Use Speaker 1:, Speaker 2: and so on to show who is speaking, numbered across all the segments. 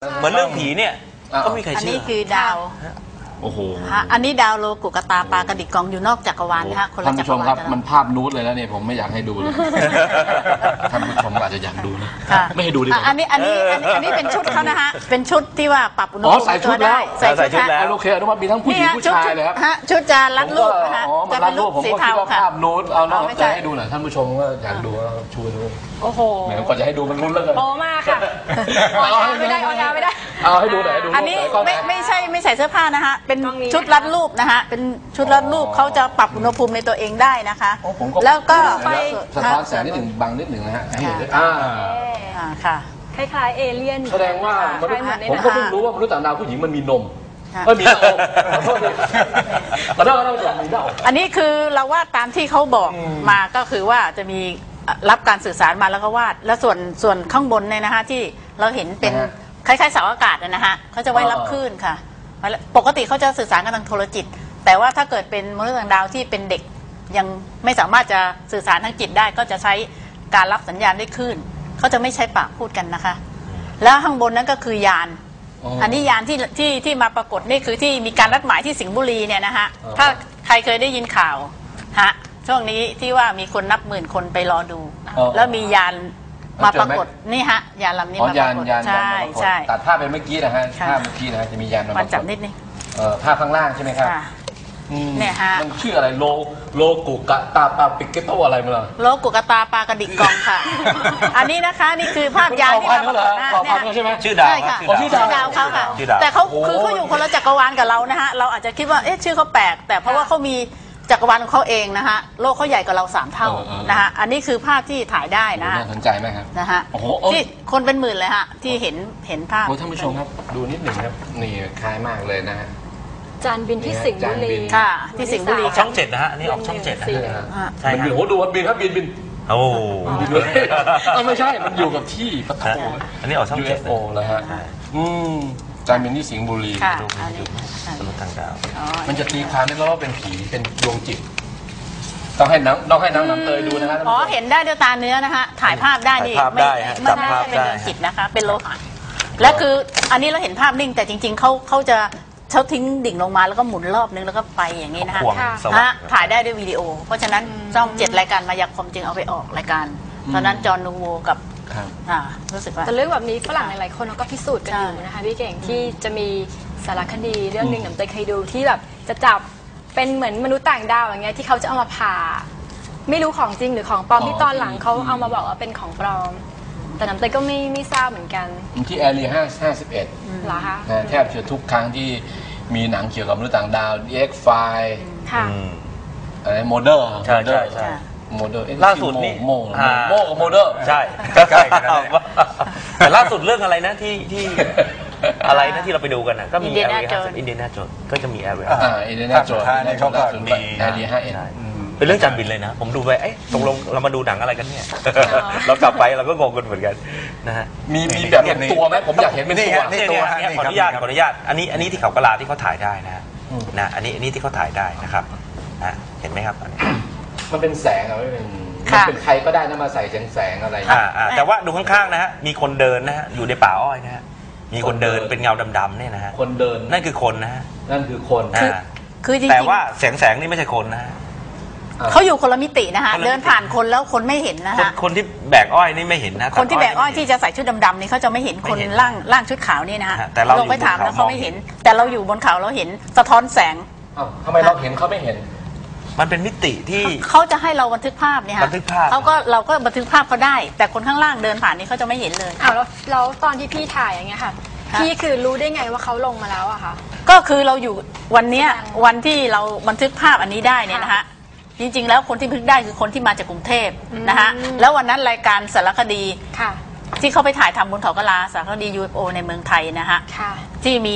Speaker 1: เหมือนเรื่องผีเนี่ยก็มีใครเชื่ออัน
Speaker 2: นี้คือดาว
Speaker 1: โอ้โห
Speaker 2: อันนี้ดาวโลกุกตาปลากระดิกกองอยู่นอกจักรวาลนะคะคนละจักรวาล
Speaker 3: ครับมันภาพนูดเลยแล้วเนี่ยผมไม่อยากให้ดูเลยท่านผู้ชมอาจจะอยากดูนะไม่ให้ดูดีกว่า
Speaker 2: อันนี้เป็นชุดเขานะฮะเป็นชุดที่ว่าปรับอุณหภูมิ
Speaker 3: ใส่ชุดแล้ว
Speaker 2: ใส่ชุดแล้ว
Speaker 3: โอเคอนุมามีทั้งผู้หญิงผู้ชายเลยครับ
Speaker 2: ชุดจะรัดรูปนะคะ
Speaker 3: จะเป็นรูปสีเทาค่ะภาพนูดเอาจะให้ดูหน่อยท่านผู้ชมก็อยากดูชูดู
Speaker 2: โอ้โห
Speaker 3: แหมก่อนจะให้ดูมันรุนแล้วกัน
Speaker 2: โตมากค่ะไม่ได้
Speaker 3: เอาให้ดูหน่อย
Speaker 2: อันนี้ไม่ใส่เสื้อผ้านะคะเป็นชุดรัดรูปนะคะเป็นชุดรัดรูปเขาจะปรับอุณหภูมิในตัวเองได้นะคะแล้วก็
Speaker 3: สะท้อนแสงนิดหนึ่งบังนิดหนึ่งนะฮะให้เห็นด้วย
Speaker 2: ค่ะ
Speaker 4: คล้ายๆเอเลี่ยน
Speaker 3: แสดงว่าผมก็เพิ่งรู้ว่ามนุษย์ต่างดาวผู้หญิงมันมีนมไม่มีหน้าอกขอโทษดิขอโทษมีหน้าอก
Speaker 2: อันนี้คือเราวาดตามที่เขาบอกมาก็คือว่าจะมีรับการสื่อสารมาแล้วก็วาดแล้วส่วนข้างบนเนี่ยนะคะที่เราเห็นเป็นคล้ายๆเสาอากาศนะฮะเขาจะไว้รับคลื่นค่ะปกติเขาจะสื่อสารกันทางโทรจิตแต่ว่าถ้าเกิดเป็นมนุษย์ต่างดาวที่เป็นเด็กยังไม่สามารถจะสื่อสารทางจิตได้ก็จะใช้การรับสัญญาณด้วยคลื่นเขาจะไม่ใช้ปากพูดกันนะคะแล้วข้างบนนั้นก็คือยานอันนี้ยานที่มาปรากฏนี่คือที่มีการนัดหมายที่สิงห์บุรีเนี่ยนะฮะถ้าใครเคยได้ยินข่าวฮะช่วงนี้ที่ว่ามีคนนับหมื่นคนไปรอดูแล้วมียานมาปรากฏนี่ฮะยานลำนี้มาปรากฏใช่
Speaker 3: ตัดภาพไปเมื่อกี้นะฮะภาพเมื่อกี้นะฮะจะมียาน
Speaker 2: มาจับนิดนึง
Speaker 3: ภาพข้างล่างใช่ไหมครับ
Speaker 2: เนี่ยฮะ
Speaker 3: มันชื่ออะไรโลกุกะตาปาปิกเกโตอะไรมาล่ะ
Speaker 2: โลกุกะตาปลากระดิกกองค่ะอันนี้นะคะนี่คือภาพยานที่มาปรากฏ
Speaker 3: ใช่ไหม
Speaker 1: ชื่อดาว
Speaker 2: ชื่อดาวเขาค่ะแต่เขาอยู่คนละจักรวาลกับเรานะฮะเราอาจจะคิดว่าเอ๊ะชื่อเขาแปลกแต่เพราะว่าเขามีจักรวาลของเขาเองนะฮะโลกเขาใหญ่กว่าเรา3 เท่านะฮะอันนี้คือภาพที่ถ่ายได้นะ
Speaker 3: น่าสนใจไหมครับ
Speaker 2: นะฮะที่คนเป็นหมื่นเลยฮะที่เห็นภาพ
Speaker 3: ท่านผู้ชมครับดูนิดหนึ่งครับนี่คล้ายมากเลยนะฮะ
Speaker 4: จานบินที่สิงห์บุรี
Speaker 2: ค่ะที่สิงห์บุรี
Speaker 1: ช่อง7นะฮะนี่ออกช่อง7นะ
Speaker 3: ใช่ครับโอ้ดูบินครับบิน
Speaker 1: โอ้
Speaker 3: บินเลยไม่ใช่มันอยู่กับที่ปะโถ
Speaker 1: อันนี้ออกช่อง7
Speaker 3: แล้วฮะจานบินที่สิงห์บุรี
Speaker 1: ดูมนุษย์ต่างดาว
Speaker 3: มันจะตีความได้ว่าเป็นผีเป็นดวงจิตต้องให้น้ำเตยดูนะครับ
Speaker 2: อ๋อเห็นได้ด้วยตาเนื้อนะคะถ่ายภาพได้นี่ไม่ใช่เป็นดวงจิตนะคะเป็นโลหะและคืออันนี้เราเห็นภาพนิ่งแต่จริงๆเขาทิ้งดิ่งลงมาแล้วก็หมุนรอบนึงแล้วก็ไปอย่างนี้นะคะถ่ายได้ด้วยวิดีโอเพราะฉะนั้นช่อง7รายการมายากลจึงเอาไปออกรายการตอนนั้นจอห์นนูโวกับรู้สึกว่า
Speaker 4: แต่เรื่องแบบนี้ฝรั่งหลายๆคนก็พิสูจน์กันอยู่นะคะพี่เก่งที่จะมีสารคดีเรื่องหนึ่งน้ำเตยเคยดูที่แบบจะจับเป็นเหมือนมนุษย์ต่างดาวอย่างเงี้ยที่เขาจะเอามาผ่าไม่รู้ของจริงหรือของปลอมที่ตอนหลังเขาเอามาบอกว่าเป็นของปลอมแต่น้ำเตยก็ไม่ทราบเหมือนกัน
Speaker 3: ที่แอเรีย51
Speaker 4: เหรอคะ
Speaker 3: แทบจะทุกครั้งที่มีหนังเกี่ยวกับมนุษย์ต่างดาว X-File อะไรโมเดอร์
Speaker 1: ใช่
Speaker 3: โมเดอร์
Speaker 1: ล่าสุดนี่
Speaker 3: โมกับโมเดอร์
Speaker 1: ใช่ใกล้ๆกันแต่ล่าสุดเรื่องอะไรนะที่อะไรนะที่เราไปดูกันนะก็มีอินเดียนาโจนก็จะมีแอเรีย
Speaker 3: อินเดียนาโจน
Speaker 1: นี่เขาก็มี
Speaker 3: แอเรีย
Speaker 1: 51เป็นเรื่องจานบินเลยนะผมดูไปตกลงเรามาดูหนังอะไรกันเนี่ยเรากลับไปเราก็งงกันเหมือนกันนะฮะ
Speaker 3: มีแบบเป็นตัวไหมผมอยากเห็นเป็นตัว
Speaker 1: นี่ขออนุญาตอันนี้ที่เขากระลาที่เขาถ่ายได้นะอันนี้ที่เขาถ่ายได้นะครับเห็นไหมครับ
Speaker 3: มันเป็นแสงไม่เป็นใครก็ได้นะมาใส่แสงอะไร
Speaker 1: แต่ว่าดูข้างๆนะฮะมีคนเดินนะฮะอยู่ในป่าอ้อยนะฮะมีคนเดินเป็นเงาดำๆเนี่ยนะฮะ
Speaker 3: คนเดิน
Speaker 1: นั่นคือคนนะฮะ
Speaker 3: นั่นคือคน
Speaker 2: คือจริงๆ
Speaker 1: แต่ว่าแสงนี่ไม่ใช่คนนะ
Speaker 2: เขาอยู่คนละมิตินะคะเดินผ่านคนแล้วคนไม่เห็นนะคะ
Speaker 1: คนที่แบกอ้อยนี่ไม่เห็นนะ
Speaker 2: คนที่แบกอ้อยที่จะใส่ชุดดำๆนี่เขาจะไม่เห็นคนร่างชุดขาวนี่นะฮะลงไปถามแล้วเขาไม่เห็นแต่เราอยู่บนเขาเราเห็นสะท้อนแสง
Speaker 3: ทำไมเราเห็นเขาไม่เห็น
Speaker 1: มันเป็นมิติที่
Speaker 2: เขาจะให้เราบันทึกภาพเนี่ยค่ะ
Speaker 1: บันทึกภาพ
Speaker 2: เราก็บันทึกภาพเขาได้แต่คนข้างล่างเดินผ่านนี่เขาจะไม่เห็นเลย
Speaker 4: แล้วตอนที่พี่ถ่ายอย่างเงี้ยค่ะพี่คือรู้ได้ไงว่าเขาลงมาแล้วอะคะ
Speaker 2: ก็คือเราอยู่วันที่เราบันทึกภาพอันนี้ได้เนี่ยนะคะจริงๆแล้วคนที่บันทึกได้คือคนที่มาจากกรุงเทพนะคะแล้ววันนั้นรายการสารคดีที่เขาไปถ่ายทำบนเขากะลาสารคดี UFO ในเมืองไทยนะคะที่มี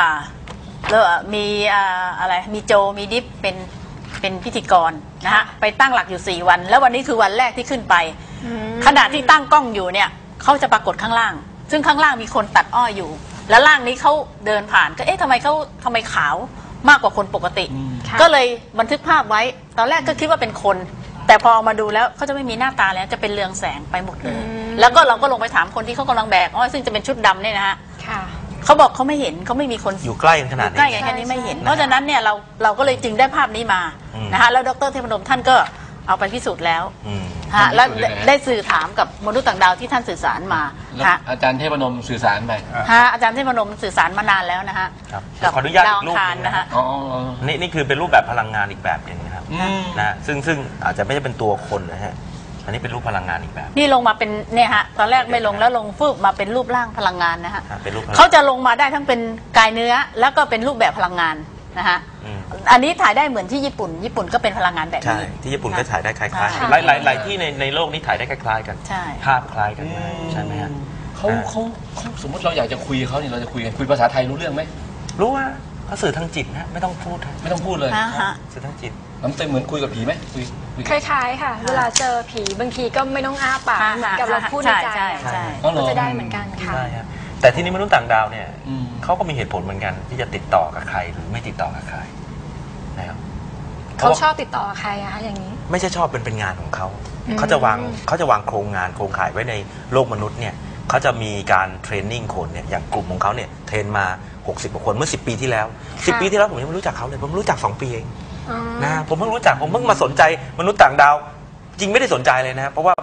Speaker 2: อะไรมีโจมีดิฟเป็นพิธีกรนะฮะไปตั้งหลักอยู่4 วันแล้ววันนี้คือวันแรกที่ขึ้นไปขณะที่ตั้งกล้องอยู่เนี่ยเขาจะปรากฏข้างล่างซึ่งข้างล่างมีคนตัดอ้อยอยู่แล้วล่างนี้เขาเดินผ่านก็ทำไมขาวมากกว่าคนปกติก็เลยบันทึกภาพไว้ตอนแรกก็คิดว่าเป็นคนแต่พอมาดูแล้วเขาจะไม่มีหน้าตาแล้วจะเป็นเรืองแสงไปหมดเลยแล้วก็เราก็ลงไปถามคนที่เขากำลังแบกอ้อยซึ่งจะเป็นชุดดำเนี่ยนะฮะ
Speaker 4: ค่ะ
Speaker 2: เขาบอกเขาไม่เห็นเขาไม่มีคน
Speaker 1: อยู่ใกล้กันขนาดนี้
Speaker 2: ใกล้กันแค่นี้ไม่เห็น เพราะฉะนั้นเนี่ยเราก็เลยจึงได้ภาพนี้มา
Speaker 1: อืม
Speaker 2: นะคะแล้วดรเทพนมท่านก็เอาไปพิสูจน์แล้ว
Speaker 1: อืม
Speaker 2: ฮะแล้ว
Speaker 3: พิสูจน์เลยนะ
Speaker 2: ได้สื่อถามกับมนุษย์ต่างดาวที่ท่านสื่อสารมา
Speaker 3: แล้ว
Speaker 2: ฮะ
Speaker 3: อาจารย์เทพนมสื่อสารไป
Speaker 2: ฮะอาจารย์เทพนมสื่อสารมานานแล้วนะฮะ
Speaker 1: ครับ
Speaker 2: กับ
Speaker 1: ขออนุญาต
Speaker 2: ดาว
Speaker 1: อี
Speaker 2: อั
Speaker 1: ก
Speaker 2: ง
Speaker 1: รูป
Speaker 2: คาร
Speaker 1: หนึ่ง
Speaker 2: นะฮะ
Speaker 3: อ๋อ
Speaker 1: นี่คือเป็นรูปแบบพลังงานอีกแบบหนึ่งนะครับ
Speaker 3: อืม
Speaker 1: นะซึ่งอาจจะไม่ใช่เป็นตัวคนนะฮะอันนี้เป็นรูปพลังงานอีกแบบ
Speaker 2: นี่ลงมาเป็นเนี่ยฮะตอนแรกไม่ลงแล้วลงฟึบมาเป็นรูปร่างพลังงานนะฮะ
Speaker 1: เป็นรูปพลัง
Speaker 2: เขาจะลงมาได้ทั้งเป็นกายเนื้อแล้วก็เป็นรูปแบบพลังงานนะฮะ
Speaker 1: อืม
Speaker 2: อันนี้ถ่ายได้เหมือนที่ญี่ปุ่นก็เป็นพลังงานแบบ
Speaker 1: ใช่
Speaker 2: นี้
Speaker 1: ที่ญี่ปุ่นก็ถ่ายได้คล้าย
Speaker 2: ใช่
Speaker 1: ๆหลายที่ในโลกนี้ถ่ายได้คล้ายๆกัน
Speaker 2: ใช่
Speaker 1: ภาพคล้ายกันมากใช่ไหมฮะ
Speaker 3: เขาสมมติเราอยากจะคุยกับเขาเนี่ยเราจะคุยกันคุยภาษาไทยรู้เรื่องไหม
Speaker 1: รู้ว่าเขาสื่อทางจิตนะไม่ต้องพูดฮะ
Speaker 3: ไม่ต้องพูดเลย
Speaker 2: นะฮะ
Speaker 1: สื่อทางจิต
Speaker 3: น้ำเต็มเหมือนคุยกับผีไหมคุย
Speaker 4: คล้ายๆค่ะ เวลาเจอผีบางทีก็ไม่ต้องอ้าปากเหมือนกับเราพูดในใจ
Speaker 2: ใช่ใช่
Speaker 3: อ๋อเหร
Speaker 4: ก็
Speaker 3: อ
Speaker 4: จะได้เหมือนกันค่ะ
Speaker 1: ใช่ครับแต่ที่นี้มนุษย์ต่างดาวเนี่ย
Speaker 3: อืม
Speaker 1: เขาก็มีเหตุผลเหมือนกันที่จะติดต่อกับใครหรือไม่ติดต่อกับใครนะครับ
Speaker 4: เขาชอบติดต่อใครอะคะอย่างนี้
Speaker 1: ไม่ใช่ชอบเป็นงานของเขา
Speaker 4: อืม
Speaker 1: เขาจะวางโครงงานโครงข่ายไว้ในโลกมนุษย์เนี่ยเขาจะมีการเทรนนิ่งคนเนี่ยอย่างกลุ่มของเขาเนี่ยเทรนมา60กว่าคนเมื่อ10 ปีที่แล้ว10 ปีที่แล้วผมยังไม่รู้จักเขาเลยผมรู้จัก2 ปีเอง
Speaker 4: อ๋อ
Speaker 1: นะผมเพิ่งรู้จักผมเพิ่งมาสนใจมนุษย์ต่างดาว จริงไม่ได้สนใจเลยนะเพราะว่า